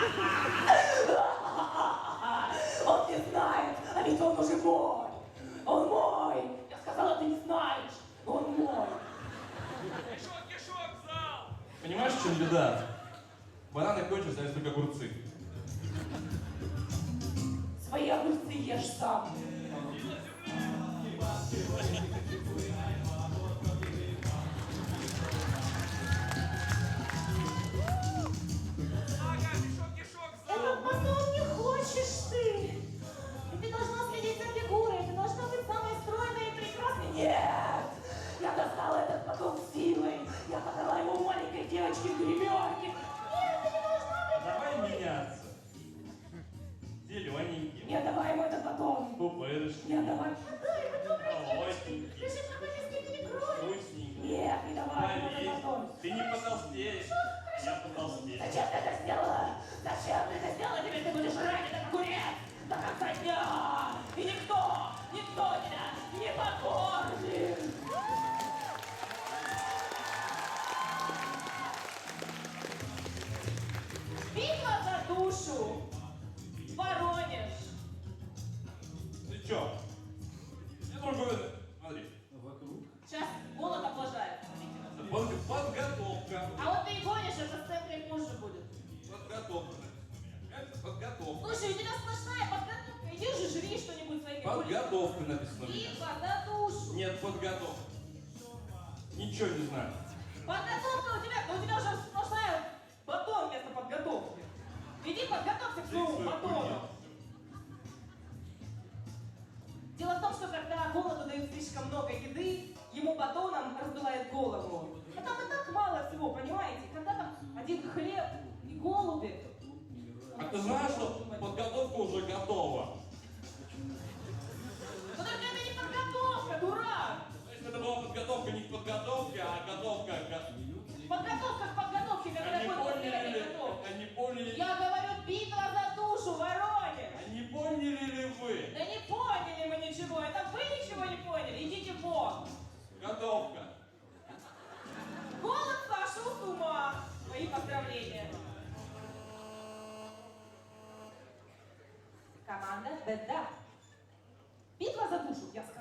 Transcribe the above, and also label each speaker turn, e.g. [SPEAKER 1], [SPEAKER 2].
[SPEAKER 1] Он не знает, а ведь он уже мой. Он мой. Я сказала, ты не знаешь. Он мой.
[SPEAKER 2] Кишок, кишок, в зал!
[SPEAKER 3] Понимаешь, в чем беда? Бананы кончатся, остались только огурцы.
[SPEAKER 1] Свои огурцы ешь сам.
[SPEAKER 2] Ага, кишок, кишок, в
[SPEAKER 4] Это
[SPEAKER 2] зал!
[SPEAKER 4] потом не хочешь ты. И ты должна следить за фигурой, ты должна быть самой стройной и прекрасной.
[SPEAKER 1] Нет! Я достала этот батон силой. Я подала ему маленькой девочке в гримерке.
[SPEAKER 4] Нет, ты не должна быть.
[SPEAKER 3] Давай меняться. Зелененький.
[SPEAKER 1] Нет, давай ему этот батон.
[SPEAKER 3] Пупырышки.
[SPEAKER 1] Нет, давай.
[SPEAKER 4] Отдай, мы добрые девочки.
[SPEAKER 3] Молоденький.
[SPEAKER 4] Ты же пропагандистки не кровь.
[SPEAKER 3] Вкусненький.
[SPEAKER 1] Нет, не давай ему этот
[SPEAKER 3] Полезный.
[SPEAKER 1] батон.
[SPEAKER 3] Ты не потолстеешь. Я потолстею.
[SPEAKER 1] Зачем ты это сделала? Зачем ты это сделала? Теперь ты будешь ранен, как огурец, до конца дня. И никто тебя не покормит.
[SPEAKER 4] Битва за душу. Воронеж.
[SPEAKER 3] Ты чё? Я только... Смотри.
[SPEAKER 4] Сейчас голод облажает. Смотрите на это.
[SPEAKER 3] Подготовка.
[SPEAKER 4] А вот ты и гонишь, это в центре позже будет.
[SPEAKER 3] Подготовка. Это подготовка.
[SPEAKER 4] Слушай, у тебя сплошная подготовка. Иди же жри что-нибудь своими
[SPEAKER 3] Подготовка написано. у меня.
[SPEAKER 4] Битва за душу.
[SPEAKER 3] Нет, подготовка. Ничего не знаю.
[SPEAKER 4] Подготовка у тебя уже сплошная батон вместо подготовки. Иди подготовься к
[SPEAKER 3] Ты
[SPEAKER 4] своему
[SPEAKER 3] свой
[SPEAKER 4] батону.
[SPEAKER 3] хуйня.
[SPEAKER 4] Дело в том, что когда голоду дают слишком много еды, ему батоном раздувает голову. А там и так мало всего, понимаете? Когда там один хлеб и голуби.
[SPEAKER 3] А ты знаешь, что подготовка уже готова?
[SPEAKER 4] Но только это не подготовка, дурак!
[SPEAKER 3] Значит, это была подготовка не к подготовке, а готовка к...
[SPEAKER 4] Подготовка к подготовке, которая
[SPEAKER 3] Они
[SPEAKER 4] будет после этой
[SPEAKER 3] поняли,
[SPEAKER 4] готовки.
[SPEAKER 3] они поняли,
[SPEAKER 4] Я говорю, битва за душу, Воронеж!
[SPEAKER 3] они поняли ли вы?
[SPEAKER 4] Да не поняли мы ничего, это вы ничего не поняли, идите вон!
[SPEAKER 3] Готовка.
[SPEAKER 4] Голод сошел с ума! Мои поздравления! Команда Беда. Битва за душу, я сказала.